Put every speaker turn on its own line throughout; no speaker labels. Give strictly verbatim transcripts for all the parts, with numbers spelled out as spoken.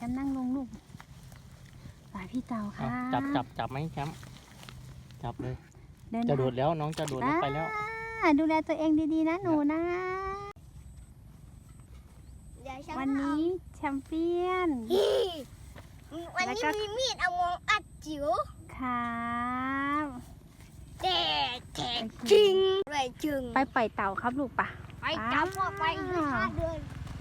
มป์นั่งลงลูกสายพี่เต่าค่ะ
จับจับจับไหมแชมป์จับเลย
เดิน
จะโดดแล้วน้องจะโดดลงไปแล้ว
อ่าดูแลตัวเองดีๆนะหนูนะ วันนี้แชมเปี้ยน
วันนี้มีมีดเอามองอัดจิ๋ว
ครับ
แต่แต่จริงเลยจริง
ไปปล่อยเต่าครับลูกปะ
ไปจับพวกไปอีกห้าเดือน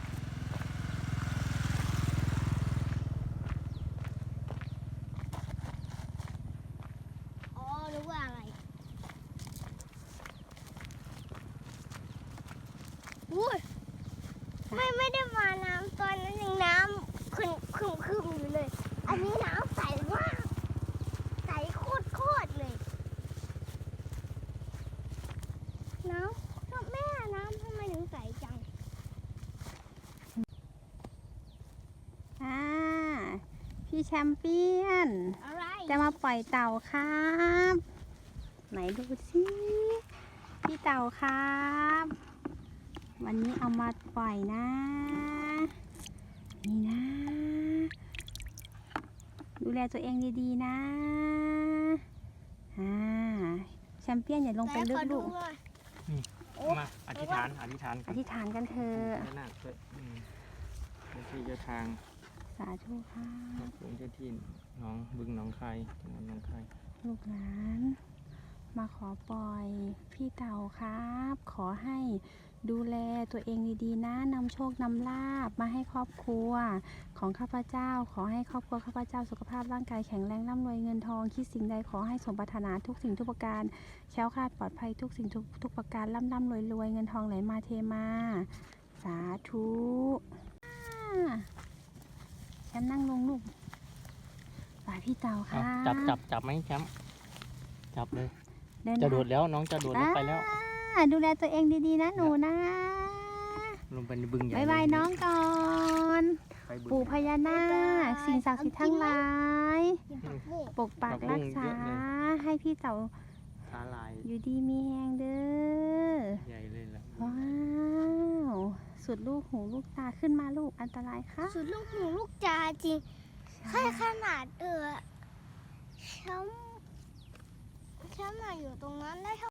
อ๋อรู้ว่าอะไรอุ้ยไม่ไม่ได้มาน้ำตอนนั้นยังน้ำขึ้นขึ้นขึ้นอยู่เลย อันนี้น้ำใสมากใสโคตรโคตรเลยน้ำก็แม่น้ำทำไมถึงใสจัง
อ่าพี่แชมเปี้ยน
อะไร
จะมาปล่อยเต่าครับ ไหนดูสิพี่เต่าครับ วันนี้เอามาปล่อยนะ นี่นะ ดูแลตัวเองดีๆนะอ่าแชมเปี้ยนอย่าลงไปลึกลูก
มาอธิษฐานอธิษฐาน
อธิษฐานกันเถอะ
พระนาคด้วยอืมเจ้าที่เจ้าทาง
สาธุค่ะ
หลวงเจ้าที่น้องบึงหน้องคายจังหวัดหน้องคาย
ลูกหลาน มาขอปล่อยพี่เต่าครับ ขอให้ดูแลตัวเองดีๆนะนำโชคนำลาบมาให้ครอบครัวของข้าพเจ้า ขอให้ครอบครัวข้าพเจ้าสุขภาพร่างกายแข็งแรงร่ำรวยเงินทองคิดสิ่งใดขอให้สมปรารถนาทุกสิ่งทุกประการแคล้วคลาดปลอดภัยทุกสิ่งทุกทุกประการร่ำร่ำรวยรวยเงินทองไหลมาเทมาสาธุอ่าแชมป์นั่งลงลูกสายพี่เต่าค่ะ
จับจับจับไหมแชมป์จับเลย
เดิน
จะโดดแล้วน้องจะโดดลงไปแล้ว
อ่าดูแลตัวเองดีๆนะหนูนะ
ลงไปในบึงใหญ่
บายบายน้องก่อน
ไปบึง
ปู่พญานาคสิ่งศักดิ์สิทธิ์ทั้งหลาย
กินผักบุ้ง
ปกปักรักษาให้พี่เต่า
สาลาย
อยู่ดีมีแหงเด้อ
ใหญ่เลยล่ะ
ว้าว สุดลูกหูลูกตาขึ้นมาลูกอันตรายค่ะ
สุดลูกหูลูกจาจริงแค่ขนาดเออช้ำช้ำมาอยู่ตรงนั้นได้เท่า